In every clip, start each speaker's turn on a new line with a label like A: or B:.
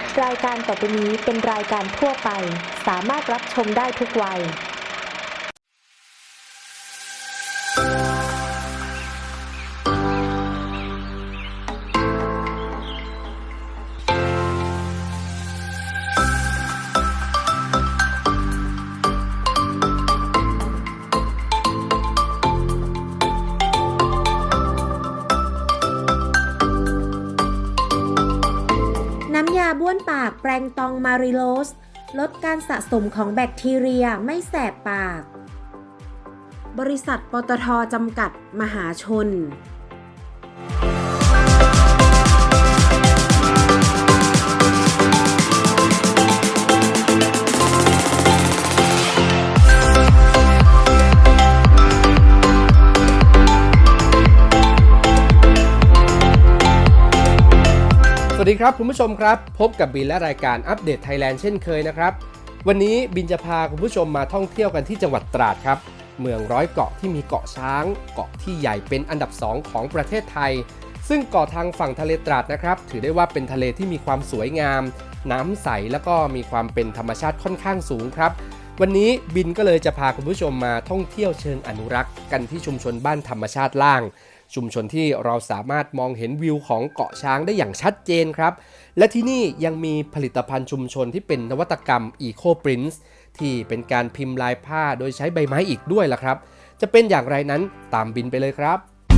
A: รายการต่อไปนี้เป็นรายการทั่วไปสามารถรับชมได้ทุกวัยน้ำยาบ้วนปากแปรงตองมาริโลสลดการสะสมของแบคทีเรียไม่แสบปาก บริษัทปตท.จำกัดมหาชน
B: สวัสดีครับคุณผู้ชมครับพบกับบินและรายการอัปเดตไทยแลนด์เช่นเคยนะครับวันนี้บินจะพาคุณผู้ชมมาท่องเที่ยวกันที่จังหวัดตราดครับเมืองร้อยเกาะที่มีเกาะช้างเกาะที่ใหญ่เป็นอันดับ2ของประเทศไทยซึ่งเกาะทางฝั่งทะเลตราดนะครับถือได้ว่าเป็นทะเลที่มีความสวยงามน้ำใสแล้วก็มีความเป็นธรรมชาติค่อนข้างสูงครับวันนี้บินก็เลยจะพาคุณผู้ชมมาท่องเที่ยวเชิงอนุรักษ์กันที่ชุมชนบ้านธรรมชาติล่างชุมชนที่เราสามารถมองเห็นวิวของเกาะช้างได้อย่างชัดเจนครับและที่นี่ยังมีผลิตภัณฑ์ชุมชนที่เป็นนวัตกรรม Eco Print ที่เป็นการพิมพ์ลายผ้าโดยใช้ใบไม้อีกด้วยล่ะครับจะเป็นอย่างไรนั้นตามบินไปเลยครับ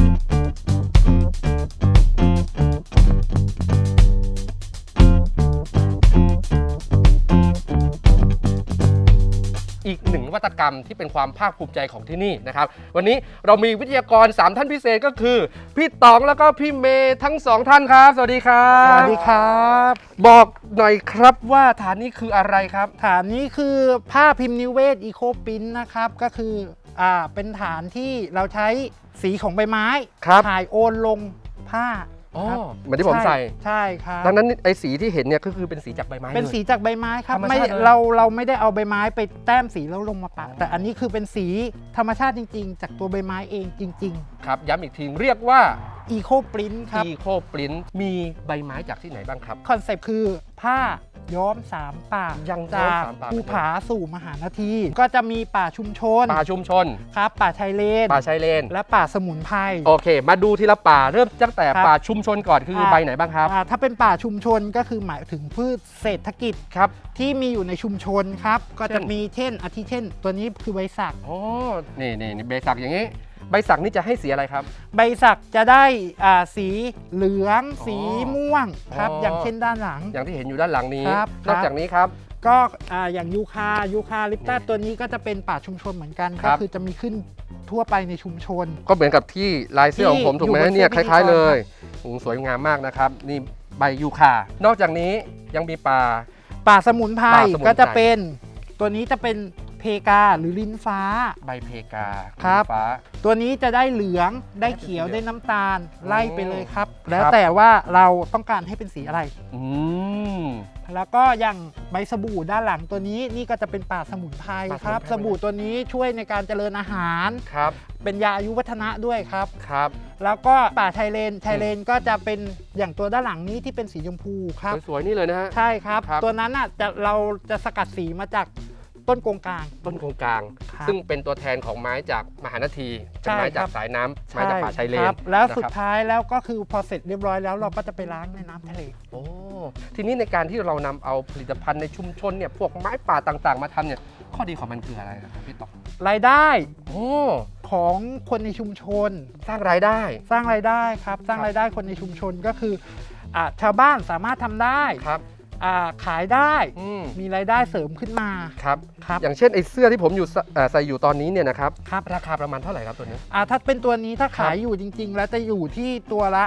B: อีกหนึ่งนวัตกรรมที่เป็นความภาคภูมิใจของที่นี่นะครับวันนี้เรามีวิทยากร3ท่านพิเศษก็คือพี่ต๋องแล้วก็พี่เมย์ทั้ง2ท่านครับสวัสดีครับ
C: สวัสดีครับ
B: บอกหน่อยครับว่าฐานนี้คืออะไรครับ
C: ฐานนี้คือผ้าพิมพ์นิเวศอีโคปรินท์นะครับก็คือเป็นฐานที่เราใช้สีของใบไม้ถ่ายโอนลงผ้า
B: เหมือนที่ผมใส่
C: ใช่ครับ
B: ดังนั้นไอ้สีที่เห็นเนี่ยก็คือเป็นสีจากใบไม้
C: เป็นสีจากใบไม้ครับไม่เราไม่ได้เอาใบไม้ไปแต้มสีแล้วลงมาปะแต่อันนี้คือเป็นสีธรรมชาติจริงๆจากตัวใบไม้เองจริง
B: ๆครับย้ำอีกทีเรียกว่า
C: อีโคปรินท์ครับ
B: อีโคปรินท์มีใบไม้จากที่ไหนบ้างครับ
C: คอนเซปต์คือผ้าย้อม3ป่าจากภูผาสู่มหานาทีก็จะมีป่าชุมชนครับป่าชายเลนและป่าสมุนไพร
B: โอเคมาดูทีละป่าเริ่มตั้งแต่ป่าชุมชนก่อนคือใบไหนบ้างครับ
C: ถ้าเป็นป่าชุมชนก็คือหมายถึงพืชเศรษฐกิจครับที่มีอยู่ในชุมชนครับก็จะมีเช่นตัวนี้คือใบสัก
B: นี่ใบสักอย่างนี้ใบสักนี่จะให้สีอะไรครับ
C: ใบสักจะได้สีเหลืองสีม่วงครับอย่างเช่นด้านหลัง
B: อย่างที่เห็นอยู่ด้านหลังนี้นอกจากนี้ครับ
C: ก็อย่างยูคาลิปตัสตัวนี้ก็จะเป็นป่าชุมชนเหมือนกันก็คือจะมีขึ้นทั่วไปในชุมชน
B: ก็เหมือนกับที่ลายเสื้อของผมถูกไหมเนี่ยคล้ายๆเลยสวยงามมากนะครับนี่ใบยูคานอกจากนี้ยังมี
C: ป่าสมุนไพรก็จะเป็นตัวนี้จะเป็นเพกาหรือลิ้นฟ้า
B: ใบเพกา
C: ครับตัวนี้จะได้เหลืองได้เขียวได้น้ำตาลไล่ไปเลยครับแล้วแต่ว่าเราต้องการให้เป็นสีอะไรแล้วก็อย่างใบสบู่ด้านหลังตัวนี้นี่ก็จะเป็นป่าสมุนไพรครับสบู่ตัวนี้ช่วยในการเจริญอาหาร
B: ครับ
C: เป็นยาอายุวัฒนะด้วยครับแล้วก็ป่าไทเลนก็จะเป็นอย่างตัวด้านหลังนี้ที่เป็นสีชมพูครับ
B: สวยๆนี่เลยนะฮะ
C: ใช่ครับตัวนั้นเราจะสกัดสีมาจากต้นโกงกลาง
B: ซึ่งเป็นตัวแทนของไม้จากมหานาทีเป็นไม้จากสายน้ำไม้จากป่าชายเลน
C: แล้วสุดท้ายแล้วก็คือพอเสร็จเรียบร้อยแล้วเราก็จะไปล้างในน้ำทะเล
B: ทีนี้ในการที่เรานำเอาผลิตภัณฑ์ในชุมชนเนี่ยพวกไม้ป่าต่างๆมาทำเนี่ยข้อดีของมันคืออะไรครับพี่ต๋อง
C: รายได้ของคนในชุมชน
B: สร้างรายได้
C: ครับสร้างรายได้คนในชุมชนก็คือชาวบ้านสามารถทำได้ขายได้มีรายได้เสริมขึ้นมา
B: ครับอย่างเช่นไอ้เสื้อที่ผมอยู่ใส่อยู่ตอนนี้เนี่ยนะครับราคาประมาณเท่าไหร่ครับตัวนี้
C: ถ้าเป็นตัวนี้ถ้าขายอยู่จริงๆแล้วจะอยู่ที่ตัวละ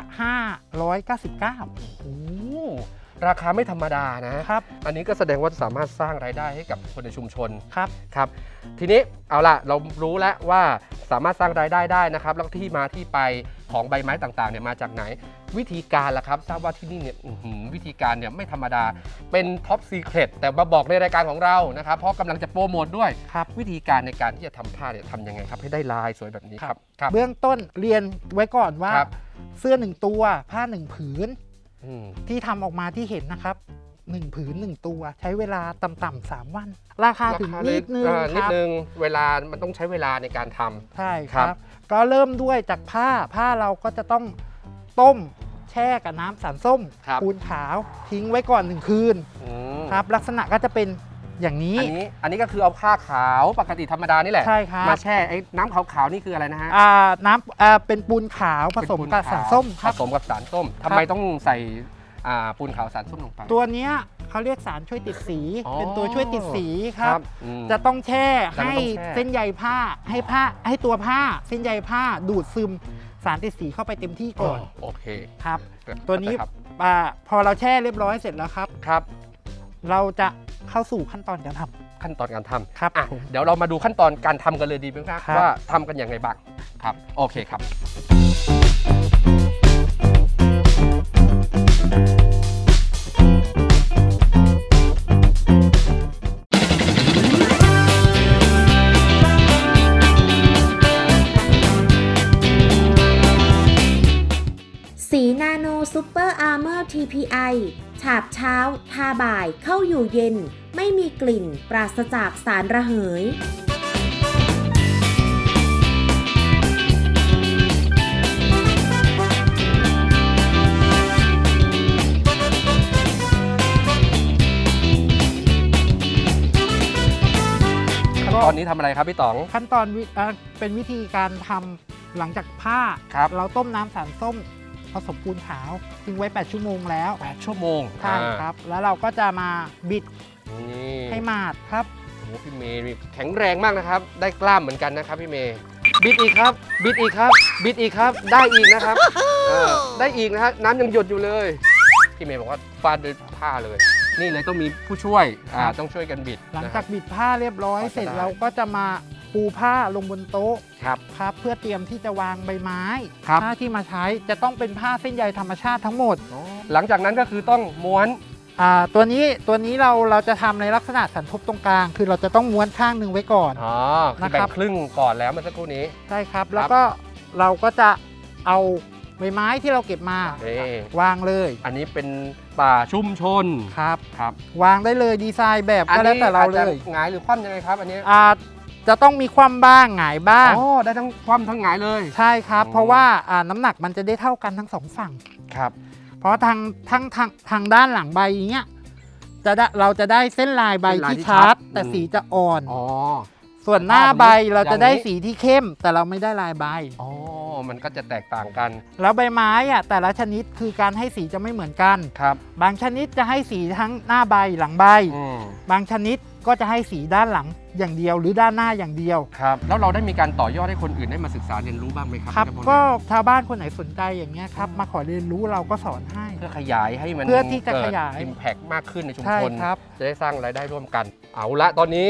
C: 599
B: โอ้ราคาไม่ธรรมดานะครับอันนี้ก็แสดงว่าสามารถสร้างรายได้ให้กับคนในชุมชนครับทีนี้เอาล่ะเรารู้แล้วว่าสามารถสร้างรายได้ได้นะครับแล้วที่มาที่ไปของใบไม้ต่างๆเนี่ยมาจากไหนวิธีการล่ะครับทราบว่าที่นี่เนี่ยวิธีการเนี่ยไม่ธรรมดาเป็นท็อปซีเครตแต่มาบอกในรายการของเรานะครับเพราะกำลังจะโปรโมทด้วยวิธีการในการที่จะทำผ้าเนี่ยทำยังไงครับให้ได้ลายสวยแบบนี้ครับ
C: เบื้องต้นเรียนไว้ก่อนว่าเสื้อ1ตัวผ้า1ผืนที่ทำออกมาที่เห็นนะครับ 1 ผืน 1 ตัว ใช้เวลาต่ำๆ3 วัน ราคาถึงนิดนึง
B: นิ
C: ค
B: ด
C: รับ
B: นึงเวลามันต้องใช้เวลาในการทำ
C: ใช่ค
B: ครั
C: รับ บ ก็เริ่มด้วยจากผ้าเราก็จะต้องต้มแช่กับน้ำสารส้ม
B: ครับ
C: ปูนขาวทิ้งไว้ก่อน1 คืน
B: อืม
C: ครับ ลักษณะก็จะเป็นอย่างนี้
B: อันนี้ก็คือเอาผ้าขาวปกติธรรมดานี่แหละ
C: ใช่ครับ
B: มาแช่ไอ้น้ำขาวๆนี่คืออะไรนะฮะ
C: น้ำเป็นปูนขาวผสมกับสารส้มค
B: ผ
C: รับ
B: สมกับสารส้มทำไมต้องใส่ปูนขาวสารส้มลงไป
C: ตัวเนี้ยเขาเรียกสารช่วยติดสี
B: อ๋อ
C: เป็นตัวช่วยติดสีครับ
B: อืม
C: จะต้องแช่
B: จะต้อง
C: ให้
B: แช่
C: เส้นใยผ้าให้ตัวผ้าเส้นใยผ้าดูดซึมสารติดสีเข้าไปเต็มที่ก่อน
B: โอเค
C: ครับ ตัวนี้
B: ครับ
C: พอเราแช่เรียบร้อยเสร็จแล้วครับ
B: ครับ
C: เราจะเข้าสู่ขั้นตอนการทำ
B: ขั้นตอนการทำ
C: ครับ
B: อ่ะ
C: ผม
B: เดี๋ยวเรามาดูขั้นตอนการทำกันเลยดีไหมครับ
C: ครับ
B: ว่าทำกันอย่างไรบ้างครับ โอเคครับ
A: สีนาโนซูเปอร์อาร์เมอร์ TPI ฉาบเช้า ทาบ่าย เข้าอยู่เย็น ไม่มีกลิ่น ปราศจากสารระเหย
B: ขั้นตอนนี้ทำอะไรครับพี่ต๋อง
C: ขั้นตอนเป็นวิธีการทำหลังจากผ้า
B: ครับ
C: เราต้มน้ำสารส้มผสมปูนขาวทิ้งไว้ 8 ชั่วโมงแล้ว
B: 8 ชั่วโมง
C: ใช่ครับ แล้วเราก็จะมาบิด
B: นี่
C: ให้หมาดครับ
B: โอ้โหพี่เมย์นี่แข็งแรงมากนะครับ ได้กล้ามเหมือนกันนะครับพี่เมย์บิดอีกครับ บิดอีกครับ บิดอีกครับ ได้อีกนะครับได้อีกนะฮะน้ำยังหยดอยู่เลยพี่เมย์บอกว่าฟาดด้วยผ้าเลย นี่เลยต้องมีผู้ช่วย
C: ครับ
B: ต้องช่วยกันบิด
C: หลัง
B: นะค
C: จา
B: รั
C: ก
B: บ
C: บิดผ้าเรียบร้อย
B: ก็จะ
C: เสร็จ
B: ได้
C: เราก็จะมาปูผ้าลงบนโต๊ะ
B: ครับ
C: ครับเพื่อเตรียมที่จะวางใบไม้
B: ครับ
C: ผ้าที่มาใช้จะต้องเป็นผ้าเส้นใยธรรมชาติทั้งหมด
B: หลังจากนั้นก็คือต้องม้วน
C: ตัวนี้เราจะทำในลักษณะสันทบตรงกลาง คือเราจะต้องม้วนข้างหนึ่งไว้ก่อน
B: อ๋อคือ
C: นะ
B: แบ่
C: ครั
B: ง
C: บ
B: ครึ่งก่อนแล้วเมื่อสักครู่นี้
C: ใช่ครับ แล้วก็เราก็จะเอาใบไม้ที่เราเก็บมา
B: นี่
C: วางเลย
B: อันนี้เป็นป่าชุมชน
C: ครับ
B: ครับ
C: วางได้เลยดีไซน์แบบก็แล้วแต่เราเลย
B: อาจจะหงายหรือคว่ำยังไงครับอันนี้
C: จะต้องมีความบ้างหงายบ้าง
B: อ๋อได้ทั้งคว่ำทั้งหงายเลย
C: ใช่ครับ
B: อืม
C: เพราะว่าน้ำหนักมันจะได้เท่ากันทั้งสองฝั่ง
B: ครับ
C: เพราะทางด้านหลังใบอย่างเงี้ยเราจะได้เส้นลายใบที่ชัด แต่สีจะอ่อน
B: อ๋อ
C: ส่วนหน้าใบเราจะได้
B: อย่างนี้
C: สีที่เข้ม แต่เราไม่ได้ลายใบ
B: อ๋อมันก็จะแตกต่างกัน
C: แล้วใบไม้แต่ละชนิดคือการให้สีจะไม่เหมือนกัน
B: ครับ
C: บางชนิดจะให้สีทั้งหน้าใบหลังใบ
B: อืม
C: บางชนิดก็จะให้สีด้านหลังอย่างเดียวหรือด้านหน้าอย่างเดียว
B: ครับแล้วเราได้มีการต่อยอดให้คนอื่นได้มาศึกษาเรียนรู้บ้างไหมครับ
C: ครับ
B: ในพว
C: ก็
B: นี้
C: ชาวบ้านคนไหนสนใจอย่างเงี้ยครับมาขอเรียนรู้เราก็สอนให้
B: เพื่อขยายให้มัน
C: เพื่อที่จะขยาย
B: อิมแพกมากขึ้นในชุม
C: ใช่
B: ชน
C: ครับ
B: จะได้สร้างรายได้ร่วมกัน เอาละตอนนี้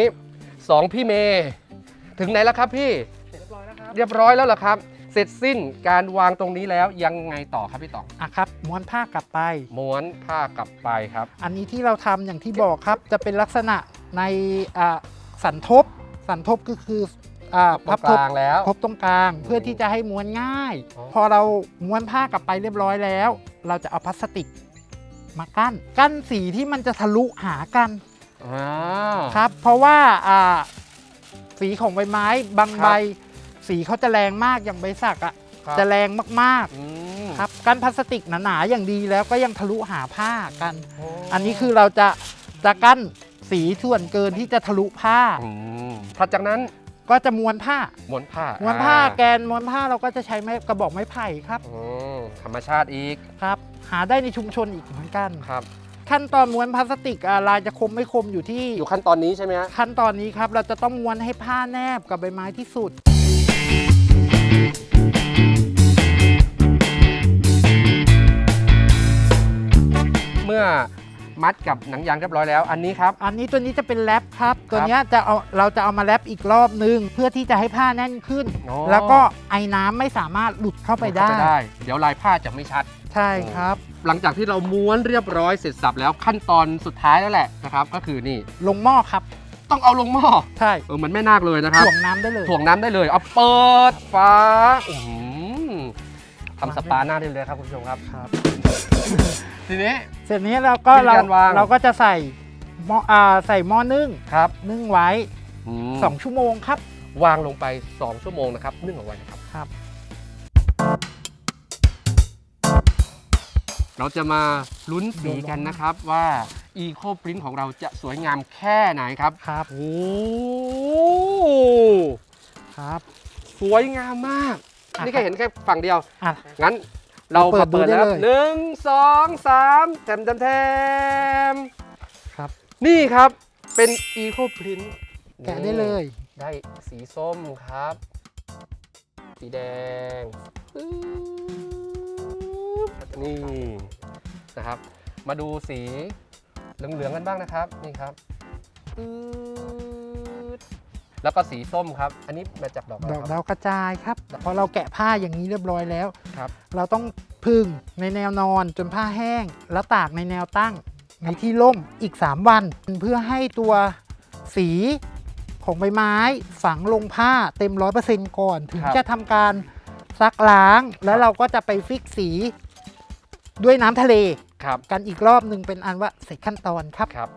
B: 2พี่เมย์ถึงไหนแล้วครับพี่ เรียบร้อยแล้วเหรอครับ เสร็จสิ้นการวางตรงนี้แล้วยังไงต่อครับพี่ต๋อง
C: ครับม้วนผ้ากลับไป
B: ม้วนผ้ากลับไปครับ
C: อันนี้ที่เราทำอย่างที่บอกครับ จะเป็นลักษณะในสันทบก็คือพับ
B: ตรงกลางแล้ว
C: ทบตรงกลาง เพื่อที่จะให้ม้วนง่าย
B: อ๋อ
C: พอเราม้วนผ้ากลับไปเรียบร้อยแล้ว เราจะเอาพลาสติกมากั้นสีที่มันจะทะลุหากัน
B: อ่า
C: ครับ เพราะว่าสีของใบไม้บาง
B: ครับ
C: ใบ สีเขาจะแรงมากอย่างใบสักจะแรงมาก
B: อืม
C: ๆครับกั้นพลาสติกหนาๆอย่างดีแล้วก็ยังทะลุหาผ้ากัน
B: โอ้
C: อันนี้คือเราจะกั้นสีส่วนเกินที่จะทะลุผ้า
B: ถัดจากนั้น
C: ก็จะม้วนผ้า
B: ม้วนผ้า
C: ม้วนผ้าแกนม้วนผ้าเราก็จะใช้ไม้กระบอกไม้ไผ่ครับ
B: ธรรมชาติอีก
C: ครับ หาได้ในชุมชนอีกเหมือนกัน
B: ครับ
C: ขั้นตอนม้วนพลาสติกลายจะคมไม่คมอยู่ที่
B: อยู่ขั้นตอนนี้ใช่ไหมฮะ
C: ขั้นตอนนี้ครับ เราจะต้องม้วนให้ผ้าแนบกับใบไม้ที่สุด
B: เมื่อมัดกับหนังยางเรียบร้อยแล้ว อันนี้ครับ
C: อันนี้ตัวนี้จะเป็นแรปครับ ตัวเนี้ยเราจะเอามาแรปอีกรอบนึง เพื่อที่จะให้ผ้าแน่นขึ้น
B: อ๋อ
C: แล้วก็ไอ้น้ำไม่สามารถหลุดเข้าไปได้
B: เดี๋ยวลายผ้าจะไม่ชัด
C: ใช่ครับ
B: หลังจากที่เราม้วนเรียบร้อยเสร็จสับแล้วขั้นตอนสุดท้ายแล้วแหละนะครับ ก็คือนี่
C: ลงหม้อครับ
B: ต้องเอาลงหม้อ
C: ใช่
B: เหมือนแม่นาคเลยนะครับ
C: ถ่วงน้ำได้เลย
B: ถ่วงน้ำได้เลยเอาเปิดฝาอื้อหือทำสปาหน้าได้เลยครับคุณผู้ชมครับ
C: ครับ
B: ทีนี้
C: เสร็จนี้เราก็
B: วิธีการวาง
C: เราก็จะใส่หม้อใส่หม้อนึ่ง
B: ครับ
C: นึ่งไว้
B: ม
C: 2 ชั่วโมงครับ
B: วางลงไป 2 ชั่วโมงนะครับนึ่งเอาไว้นะครับ
C: ครับ
B: เราจะมาลุ้นสีกันนะครับว่า Eco Print ของเราจะสวยงามแค่ไหนครับ
C: ครับ
B: โอ้
C: ครับ
B: สวยงามมาก
C: อ่ะ
B: นี่แค่เห็นแค่ฝั่งเดียว
C: อ่ะ
B: งั้นเรา
C: เปิดดู
B: เปิด
C: ได้
B: แล้ว
C: เลย
B: หนึ่งสองสามแถมแถมแถม
C: ครับ
B: นี่ครับเป็น Eco Print
C: แกะได้เลย
B: ได้สีส้มครับ สีแดงปึ๊บนี่นะครับ มาดูสีเหลืองๆกันบ้างนะครับนี่ครับปึ๊ดแล้วก็สีส้มครับ อันนี้มาจากดอกอะไร
C: ดอก
B: ครับ
C: ดาวกระจายครับพอเราแกะผ้าอย่างนี้เรียบร้อยแล้ว
B: ครับ
C: เราต้องพึ่งในแนวนอนจนผ้าแห้ง แล้วตากในแนวตั้งในที่ร่มอีก 3 วัน เพื่อให้ตัวสีของใบไม้ฝังลงผ้าเต็ม 100% ก่อน ถึง
B: ครับ
C: จะทำการซักล้าง แล้วเราก็จะไปฟิกสีด้วยน้ำทะเล
B: ครับ
C: กันอีกรอบหนึ่งเป็นอันว่าเสร็จขั้นตอนครับ
B: ครับ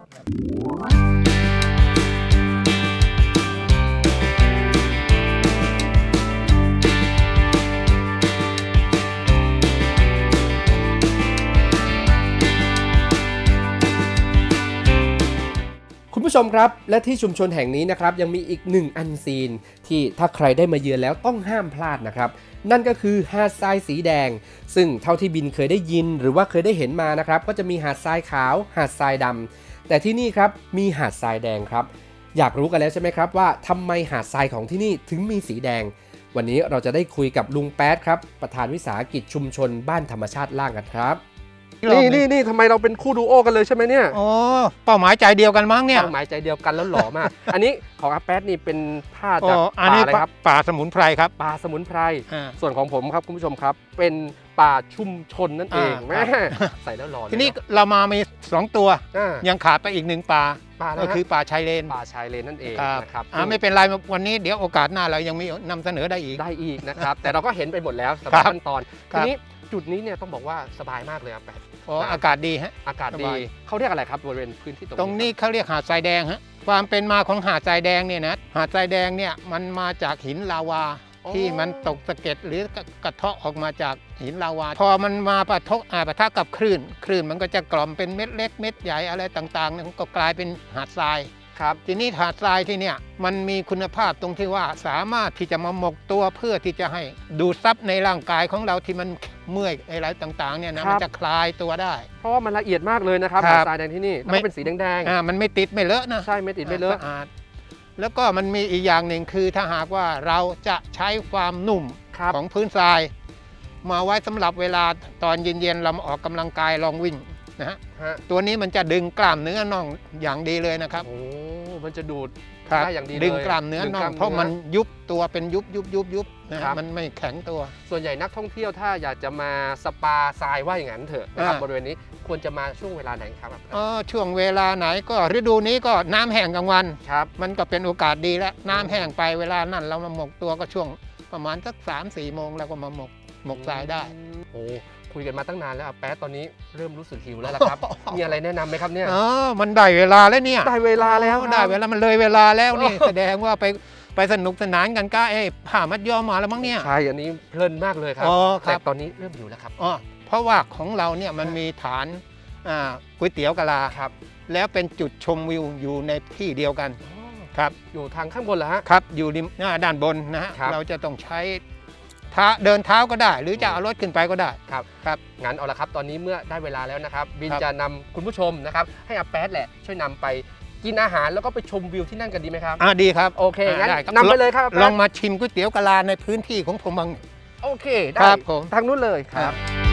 B: คุณผู้ชมครับและที่ชุมชนแห่งนี้นะครับยังมีอีกหนึ่งอันซีนที่ถ้าใครได้มาเยือนแล้วต้องห้ามพลาดนะครับนั่นก็คือหาดทรายสีแดง ซึ่งเท่าที่บินเคยได้ยินหรือว่าเคยได้เห็นมานะครับก็จะมีหาดทรายขาวหาดทรายดำแต่ที่นี่ครับมีหาดทรายแดงครับอยากรู้กันแล้วใช่ไหมครับว่าทำไมหาดทรายของที่นี่ถึงมีสีแดง วันนี้เราจะได้คุยกับลุงแป๊ดครับประธานวิสาหกิจชุมชนบ้านธรรมชาติล่างกันครับนี่ทำไมเราเป็นคู่ดูโอกันเลยใช่ไหมเนี่ย
D: โอ้เป้าหมายใจเดียวกันมั้งเนี่ย
B: เป้าหมายใจเดียวกันแล้วหล่อมาก อันนี้ของอาแป๊ดนี่เป็นผ้า
D: โอ้
B: จาก
D: อัน
B: ป่า
D: นี้
B: อะไรครับ
D: ป่าสมุนไพรครับ
B: ป่าสมุนไพร
D: อ่า
B: ส่วนของผมครับคุณผู้ชมครับ เป็นป่าชุมชนนั่นเอง
D: อ่า
B: แม่
D: ครับ
B: ใส่แล้วหล่อเลย
D: ทีนี้เรามามี2ตัว
B: อ่า
D: ยังขาดไปอีก1ป่า
B: ป่าอะไร
D: ก็คือป่าชายเลน
B: ป่าชายเลนนั่นเอง
D: ครับ
B: นะครับ
D: ไม่เป็นไรวันนี้เดี๋ยวโอกาสหน้าเรายังมีนำเสนอได้อีก
B: ได้อีกนะครับ แต่เราก็เห็นไปหมดแล้วสำห
D: ครั
B: รับบ ขั้นตอน
D: ครั
B: ที
D: บ
B: นี้จุดนี้เนี่ยต้องบอกว่าสบายมากเลยอาแป๊ด
D: โอ้อากาศดีฮะ
B: อากาศ
D: ส
B: ดี
D: บาย
B: เขาเรียกอะไรครับบริเวณพื้นที่
D: ตรงนี้เขาเรียกหาดทรายแดงฮะความเป็นมาของหาดทรายแดงเนี่ยนะหาดทรายแดงเนี่ยมันมาจากหินลาวา ที่มันตกสะเก็ดหรือกระเทาะออกมาจากหินลาวา พอมันมาปะทะกับคลื่นมันก็จะกล่อมเป็นเม็ดเล็กเม็ดใหญ่อะไรต่างๆเนี่ยมันก็กลายเป็นหาดทราย
B: ครับ
D: ทีนี้หาดทรายที่เนี่ยมันมีคุณภาพตรงที่ว่าสามารถที่จะมาหมกตัวเพื่อที่จะให้ดูดซับในร่างกายของเราที่มันเมื่อยอะไรต่างๆเนี่ยนะมันจะคลายตัวได้
B: เพราะว่ามันละเอียดมากเลยนะครับ
D: ครับ
B: หาดทรายแดงที่นี่แล้ว
D: ไม่
B: ก็เป็นสีแดง
D: มันไม่ติดไม่เลอะนะ
B: ๆใช่ไม่ติดไม่เลอะ
D: สะอาดแล้วก็มันมีอีกอย่างหนึ่งคือถ้าหากว่าเราจะใช้ความนุ่ม
B: ครับ
D: ของพื้นทราย มาไว้สำหรับเวลาตอนเย็นๆเรามาออกกำลังกายลองวิ่งนะฮะ
B: ฮะ
D: ตัวนี้มันจะดึงกล้ามเนื้อน่องอย่างดีเลยนะครับ
B: โอ้มันจะดูด
D: ครับ
B: ได้อย่างดีเลย
D: ดึงกล้ามเนื้อ
B: ดึง
D: น่
B: ก
D: อ
B: ล้าง ม
D: เพราะ
B: เนื้อ
D: มันยุบตัวเป็นยุบนะฮะ
B: ครับ
D: มันไม่แข็งตัว
B: ส่วนใหญ่นักท่องเที่ยวถ้าอยากจะมาสปาทรายว่าอย่างนั้นเถอะนะครับ
D: อ่า
B: บริเวณนี้ควรจะมาช่วงเวลาไหนครับ
D: ช่วงเวลาไหนก็ฤดูนี้ก็น้ำแห้งกลางวัน
B: ครับ
D: มันก็เป็นโอกาสดีแล้วน้ำแห้งไปเวลานั้นเรามาหมกตัวก็ช่วงประมาณสัก3-4 โมงเราก็มาหมกทรายได้
B: โอ้คุยกันมาตั้งนานแล้วอาแป๊ดตอนนี้เริ่มรู้สึกหิวแล้วล่ะครับ มีอะไรแนะนำไหมครับเนี่ย
D: มันได้เวลาแล้วเนี่ย
B: ได้เวลาแล้วครับ
D: ได้เวลามันเลยเวลาแล้วนี่ แสดงว่าไปสนุกสนานกันก็ผ่ามัดย้อมมาแล้วมั้งเนี่ย
B: ใช่อันนี้เพลินมากเลยครับ
D: อ๋อค
B: แต่
D: รับ
B: ตอนนี้เริ่มหิวแล้วครับ
D: เพราะว่าของเราเนี่ยมันมีฐานก๋วยเตี๋ยวกะลา
B: ครับ
D: แล้วเป็นจุดชมวิวอยู่ในที่เดียวกันครับ
B: อยู่ทางข้างบนเหรอฮะ
D: ครับอยู่ริมด้านบนนะฮะ
B: ครับ
D: เราจะต้องใช้เดินเท้าก็ได้ หรือจะเอารถขึ้นไปก็ได้
B: ครับ
D: ครับ
B: งั้นเอาละครับ ตอนนี้เมื่อได้เวลาแล้วนะครับ บิน
D: ครับ
B: จะนำคุณผู้ชมนะครับ ให้อาแป๊ดแหละช่วยนำไปกินอาหารแล้วก็ไปชมวิวที่นั่นกันดีไหมครับ
D: ดีครับ
B: โอเคงั้น
D: ได้ครับ
B: นำไปเลยครับอาแป๊ด
D: ลองมาชิมก๋วยเตี๋ยวกะลาในพื้นที่ของผมบ้าง
B: โอเคได้
D: ครับผม
B: ทางนู้นเลยครับ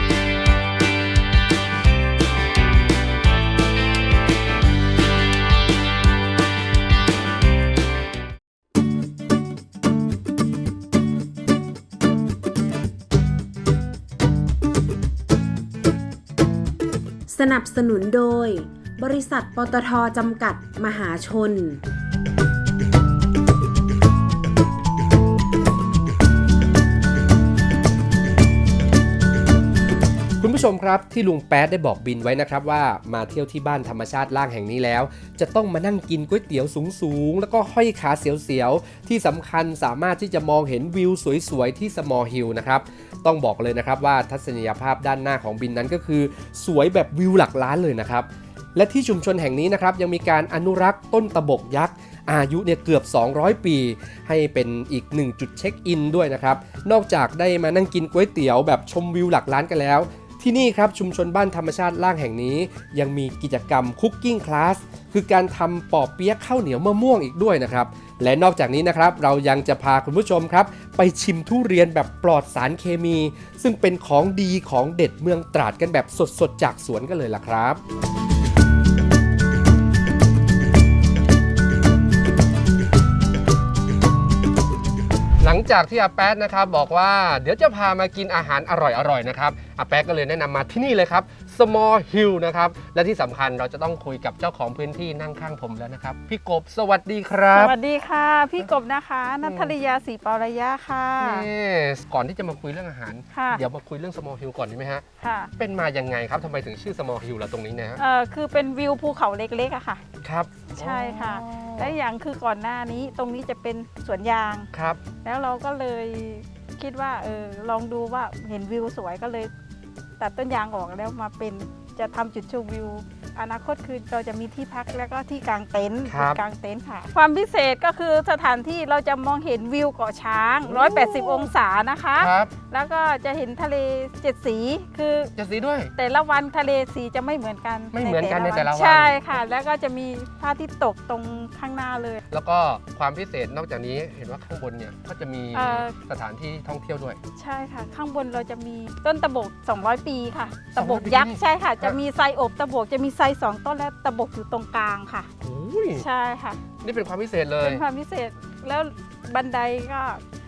A: สนับสนุนโดย บริษัทปตทจำกัดมหาชน
B: คุณผู้ชชมครับที่ลุงแป๊ดได้บอกบินไว้นะครับว่ามาเที่ยวที่บ้านธรรมชาติล่างแห่งนี้แล้วจะต้องมานั่งกินก๋วยเตี๋ยวสูงๆแล้วก็ห้อยขาเสียวๆที่สำคัญสามารถที่จะมองเห็นวิวสวยๆที่ Small Hill นะครับต้องบอกเลยนะครับว่าทัศนียภาพด้านหน้าของบินนั้นก็คือสวยแบบวิวหลักล้านเลยนะครับและที่ชุมชนแห่งนี้นะครับยังมีการอนุรักษ์ต้นตะบกยักษ์อายุเนี่ยเกือบ200 ปีให้เป็นอีก1จุดเช็คอินด้วยนะครับนอกจากได้มานั่งกินก๋วยเตี๋ยวแบบชมวิวหลักล้านกันแล้วที่นี่ครับชุมชนบ้านธรรมชาติล่างแห่งนี้ยังมีกิจกรรมคุกกิ้งคลาสคือการทำปอเปี๊ยะข้าวเหนียวมะม่วงอีกด้วยนะครับและนอกจากนี้นะครับเรายังจะพาคุณผู้ชมครับไปชิมทุเรียนแบบปลอดสารเคมี ซึ่งเป็นของดีของเด็ดเมืองตราดกันแบบสดๆจากสวนกันเลยล่ะครับ หลังจากที่อาแป๊ดนะครับบอกว่าเดี๋ยวจะพามากินอาหารอร่อยๆนะครับอาแป๊ดก็เลยแนะนำมาที่นี่เลยครับ Small Hill นะครับและที่สำคัญเราจะต้องคุยกับเจ้าของพื้นที่นั่งข้างผมแล้วนะครับพี่กบสวัสดีครับ
E: สวัสดีค่ะ พี่กบนะคะนัทริยาศรีปารยะค่ะ
B: นี่ก่อนที่จะมาคุยเรื่องอาหาร
E: ค่ะ
B: เดี๋ยวมาคุยเรื่อง Small Hill ก่อนดีไหมฮะ
E: ค่ะ
B: เป็นมายังไงครับทำไมถึงชื่อ Small Hill ล่ะตรงนี้นะฮะ
E: คือเป็นวิวภูเขาเล็กๆอะค่ะ
B: ครับ
E: ใช่ค่ะ และอย่างคือก่อนหน้านี้ตรงนี้จะเป็นสวนยาง
B: ครับ
E: แล้วเราก็เลยคิดว่าลองดูว่าเห็นวิวสวยก็เลย ตัดต้นยางออกแล้วมาเป็นจะทำจุดชมวิว อนาคตคือเราจะมีที่พักแล้วก็ที่กางเต็นท์
B: ครับ
E: จุดกางเต็นท์ค่ะ ความพิเศษก็คือสถานที่เราจะมองเห็นวิวเกาะช้าง 180 องศานะคะ
B: ครับ
E: แล้วก็จะเห็นทะเลเจ็ดสีคือ
B: จะสีด้วย
E: แต่ละวันทะเลสีจะไม่เหมือนกัน
B: ไม่เหมือนกันในแต่ละวัน
E: ใช่ค่ะ แล้วก็จะมีพระอาทิตย์ตกตรงข้างหน้าเลย
B: แล้วก็ความพิเศษนอกจากนี้เห็นว่าข้างบนเนี่ยก็จะมี
E: เอ่อ
B: สถานที่ท่องเที่ยวด้วย
E: ใช่ค่ะ ข้างบนเราจะมีต้นตะบก 200 ปีค่ะ ตะบก
B: 200
E: ยักษ์
B: ปี
E: ใช่ค่ะ จะมีไซอบตะบกจะมีไซ2 ต้นและตะบกอยู่ตรงกลางค่ะ
B: โอ้ย
E: ใช่ค่ะ
B: นี่เป็นความพิเศษเลย
E: เป็นความพิเศษแล้วบันไดก็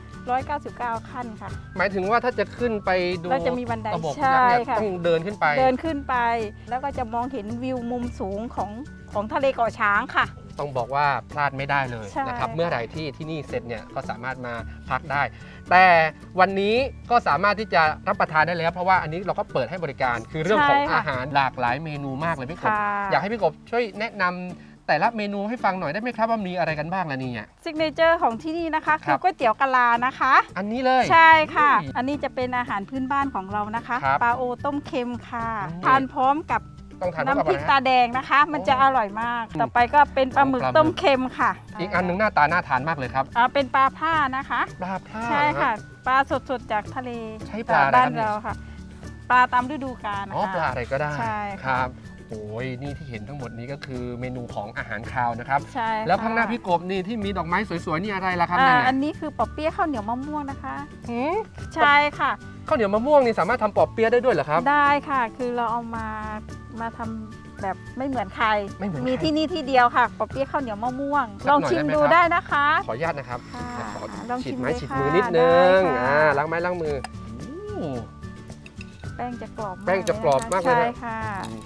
E: 199 ขั้นค่ะ
B: หมายถึงว่าถ้าจะขึ้นไปดู
E: เราจะมีบันได
B: ตะบก
E: ใช่
B: ยักษ์เนี่ย
E: ค่ะ
B: ต้องเดินขึ้นไป
E: เดินขึ้นไป แล้วก็จะมองเห็นวิวมุมสูงของทะเลเกาะช้างค่ะ
B: ต้องบอกว่าพลาดไม่ได้เลย
E: ใช่
B: นะครับ
E: ค่ะ
B: เมื่อไหร่ที่นี่เสร็จเนี่ยก็สามารถมาพักได้ แต่วันนี้ก็สามารถที่จะรับประทานได้แล้ว เพราะว่าอันนี้เราก็เปิดให้บริการคือเรื่องของอาหารหลากหลายเมนูมากเลยพี่กบ
E: ค่ะ
B: อยากให้พี่กบช่วยแนะนำแต่ละเมนูให้ฟังหน่อยได้ไหมครับว่ามีอะไรกันบ้างล่ะเนี่ย
E: ซิกเนเจอร์ของที่นี่นะคะ
B: ครั
E: คือบ ก๋วยเตี๋ยวกะลานะคะ
B: อันนี้เลย
E: ใช่ค่ะ
B: อุ้ย
E: อันนี้จะเป็นอาหารพื้นบ้านของเรานะคะ
B: ครับ
E: ปลาโอต้มเค็มค่ะ
B: อืม
E: ทานพร้อมกับ
B: ต้องทานคู่กับ
E: น้ำพริก
B: อะไร
E: ตา
B: ฮะ
E: แดงนะคะ มันจะ
B: โอ้
E: อร่อยมาก ต่อไปก็เป็นปลาหมึก
B: ปลาหมึก
E: ต้มเค็มค่ะ
B: อีกอันหนึงหน้าตาน่าทานมากเลยครับ
E: เป็นปลาผ้านะคะ
B: ปลาพร่า
E: ใช่
B: น
E: ค่ะ ปลาสดๆจากทะเล
B: ใช้ปลาอะไร
E: บ้าน
B: ครับเนี่ย
E: เราค่ะ ปลาตามฤดูกาล
B: อ๋อ
E: ค่ะ
B: ปลาอะไรก็ได้
E: ใช่
B: ค
E: ค่ะ
B: รับโอ้ยนี่ที่เห็นทั้งหมดนี้ก็คือเมนูของอาหารคาวนะครับ
E: ใช่
B: แล้วข้างหน้า
E: ค่ะ
B: พี่กบนี่ที่มีดอกไม้สวยๆนี่อะไรล่ะครับนั่น
E: อั
B: น่ะ
E: นนี้คือปอเปี๊ยะข้าวเหนียวมะม่วงนะคะ
B: หืม
E: ใช่ค่ะ
B: ข้าวเหนียวมะม่วงนี่สามารถทำปอเปี๊ยะได้ด้วยเหรอครับ
E: ได้ค่ะ คือเราเอามาทำแบบไม่เหมือนใคร
B: ไม่เหมือนใคร
E: มีที่นี่ที่เดียวค่ะปอเปี๊ยะข้าวเหนียวมะม่วง
B: สัก
E: ลอง
B: หน่อย
E: ชิม
B: ได้ไหม
E: ดู
B: ครับ
E: ได้นะคะ
B: ขออนุญาตนะครับ
E: ค่ะ
B: ขอ
E: ลอง
B: ฉี
E: ชิ
B: ด
E: ม
B: ไม้
E: เลย
B: ฉีด
E: ค่ะ
B: มือนิดนึง
E: ได้ค่ะ
B: ล้างไม้ล้างมือโอ้
E: แป้งจะกรอบมาก
B: แป้งจะกรอบมากเลยนะ
E: ใช่ค่ะ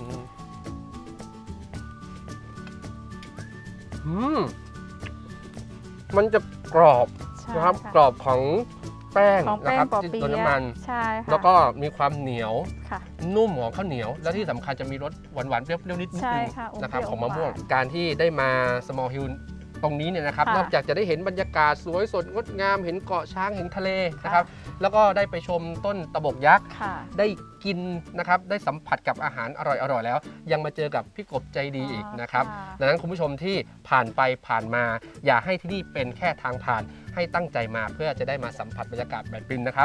B: อืมมันจะกรอบ
E: ใช่
B: นะครับ
E: ค่ะ
B: กรอบของแป้ง
E: ของ
B: นะ
E: แป้
B: ค
E: ง
B: รับ
E: ปอ
B: ที่
E: เปี๊
B: โดน
E: ยะ
B: น้ำมัน
E: ใช่ค่ะ
B: แล้วก็มีความเหนียว
E: ค่ะ
B: นุ่มของข้าวเหนียว และที่สำคัญจะมีรสหวานๆเปรี้ยวๆนิดนึง
E: ใช่ค่ะอม
B: นะครับ
E: เปรี้ยว
B: ของมะม่วง
E: อมหวาน
B: การที่ได้มา Small Hill ตรงนี้เนี่ยนะครับ
E: ค่ะ
B: นอกจากจะได้เห็นบรรยากาศสวยสดงดงามเห็นเกาะช้างเห็นทะเลนะครับแล้วก็ได้ไปชมต้นตะบกยักษ์
E: ค่ะ
B: ได้กินนะครับได้สัมผัสกับอาหารอร่อยๆแล้ว ยังมาเจอกับพี่กบใจดีอีกนะครับ
E: ค่ะ
B: ดังนั้นคุณผู้ชมที่ผ่านไปผ่านมา อย่าให้ที่นี่เป็นแค่ทางผ่านให้ตั้งใจมาเพื่อจะได้มาสัมผัสบรรยากาศแบบบินนะครับ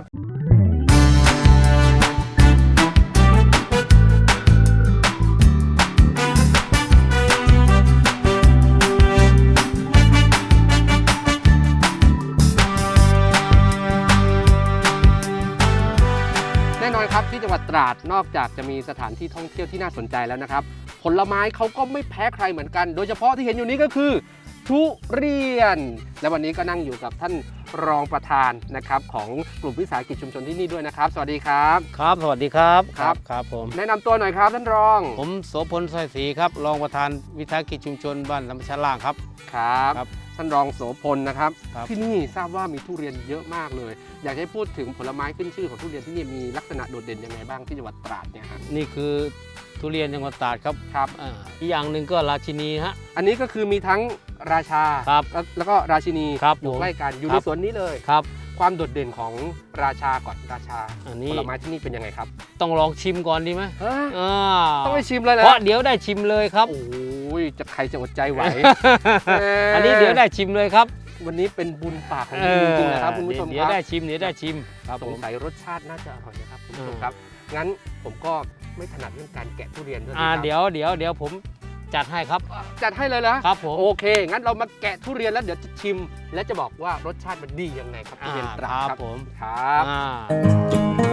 B: แน่นอนครับที่จังหวัดตราดนอกจากจะมีสถานที่ท่องเที่ยวที่น่าสนใจแล้วนะครับ ผลไม้เขาก็ไม่แพ้ใครเหมือนกัน โดยเฉพาะที่เห็นอยู่นี้ก็คือทุเรียน และวันนี้ก็นั่งอยู่กับท่านรองประธานนะครับของกลุ่มวิสาหกิจชุมชนที่นี่ด้วยนะครับ สวัสดีครับ
F: ครับสวัสดีครับ
B: ครับ
F: ครับผม
B: แนะนำตัวหน่อยครับท่านรอง
F: ผมโสพลสร้อยศรีครับรองประธานวิสาหกิจชุมชนบ้านลำชะล่างครับ
B: ครับ
F: ครับ
B: ท่านรองโสพลนะครับ
F: ครับ
B: ที่นี่ทราบว่ามีทุเรียนเยอะมากเลย อยากให้พูดถึงผลไม้ขึ้นชื่อของทุเรียนที่นี่มีลักษณะโดดเด่นยังไงบ้างที่จังหวัดตราดเนี่ยฮะ
F: นี่คือทุเรียนจังหวัดตราดครับ
B: ครับ
F: อีกอย่างหนึ่งก็ราชินีฮะ
B: อันนี้ก็คือมีทั้งราชา
F: ครับ
B: แล้วก็ราชินี
F: ครับ
B: อยู่
F: ผม
B: ใกล้กันอยู่
F: ค
B: ใน
F: รับ
B: สวนนี้เลย
F: ครับ
B: ความโดดเด่นของราชาก่อนราชา
F: อัน
B: ผ
F: นี้
B: ลไม้ที่นี่เป็นยังไงครับ
F: ต้องลองชิมก่อนดีไหม
B: ฮะ
F: อ่า
B: ต้องไปชิมเลยนะ
F: เพราะเดี๋ยวได้ชิมเลยครับ
B: โอ้ยจะใครจะอดใจไหว
F: อันนี้เดี๋ยวได้ชิมเลยครับ
B: วันนี้เป็นบุญปากของคุณจริงๆนะครับคุณผู้ชม
F: เดี๋
B: ค
F: ยว
B: รับ
F: ได้ชิมเดี๋ยวได้ชิมครับ
B: ส
F: ผ
B: ง
F: ม
B: สัยรสชาติน่าจะอร่อยนะครับคุณผู้ชมครับงั้นผมก็ไม่ถนัดเรื่องการแกะทุเรียนด้วยนะครับ
F: เดี๋ยวผมจัดให้ครับ
B: จัดให้เลยเหรอ
F: ครับผม
B: โอเค งั้นเรามาแกะทุเรียนแล้วเดี๋ยวจะชิม และจะบอกว่ารสชาติมันดียังไงครับทุเรียนตราด
F: ครับผม
B: ครับ
F: อ่า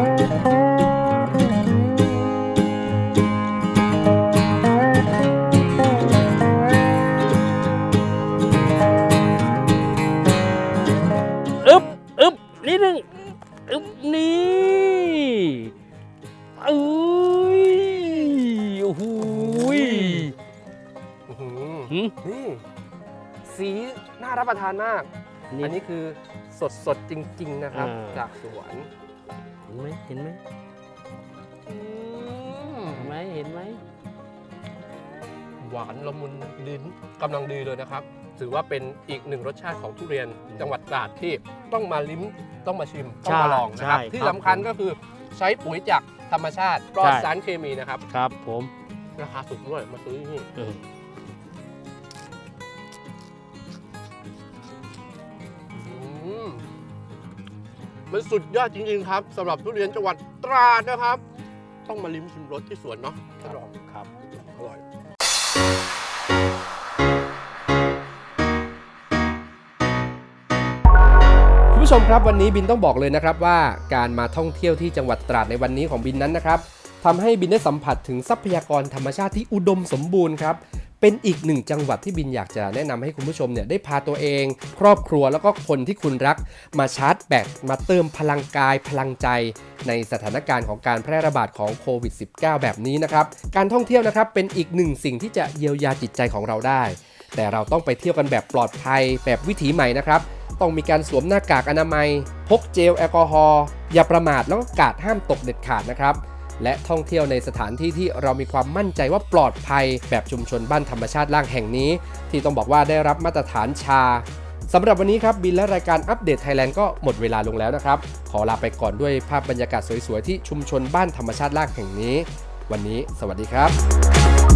F: อึ๊บนิดนึงอึ๊บนี่เอ้ยโอ้โหย
B: อื้อหือ
F: หืม
B: นี่สีน่ารับประทานมาก อันนี้คือสดๆจริง ๆ นะครับ จากสวน
F: เห็นไหมเห็นไหม
B: อืม
F: เห็นไหมเห็นไหม
B: หวานละมุนลิ้นกำลังดีเลยนะครับ ถือว่าเป็นอีกหนึ่งรสชาติของทุเรียนจังหวัดตราดที่ต้องมาลิ้มต้องมาชิมต้องมาลองนะครับ ที่สำคัญก็คือใช้ปุ๋ยจากธรรมชาติปลอดสารเคมีนะครับ
F: ครับผม
B: ราคาถูกด้วยมาซื้อที่นี่
F: เออ
B: มันสุดยอดจริงๆครับสำหรับทุเรียนจังหวัดตราดนะครับ ต้องมาลิ้มชิมรสที่สวนเนาะท่านรอง
F: ครับ
B: อร่อย คุณผู้ชมครับวันนี้บินต้องบอกเลยนะครับว่าการมาท่องเที่ยวที่จังหวัดตราดในวันนี้ของบินนั้นนะครับทำให้บินได้สัมผัสถึงทรัพยากรธรรมชาติที่อุดมสมบูรณ์ครับเป็นอีกหนึ่งจังหวัดที่บินอยากจะแนะนำให้คุณผู้ชมเนี่ยได้พาตัวเอง ครอบครัวแล้วก็คนที่คุณรักมาชาร์จแบตมาเติมพลังกายพลังใจในสถานการณ์ของการแพร่ระบาดของโควิด -19 แบบนี้นะครับการท่องเที่ยวนะครับเป็นอีกหนึ่งสิ่งที่จะเยียวยาจิตใจของเราได้แต่เราต้องไปเที่ยวกันแบบปลอดภัยแบบวิถีใหม่นะครับต้องมีการสวมหน้ากากอนามัยพกเจลแอลกอฮอล์อย่าประมาทแล้วก็กาดห้ามตกเด็ดขาดนะครับและท่องเที่ยวในสถานที่ที่เรามีความมั่นใจว่าปลอดภัยแบบชุมชนบ้านธรรมชาติล่างแห่งนี้ที่ต้องบอกว่าได้รับมาตรฐานชาสำหรับวันนี้ครับบินและรายการอัปเดตไทยแลนด์ก็หมดเวลาลงแล้วนะครับขอลาไปก่อนด้วยภาพบรรยากาศสวยๆที่ชุมชนบ้านธรรมชาติล่างแห่งนี้วันนี้สวัสดีครับ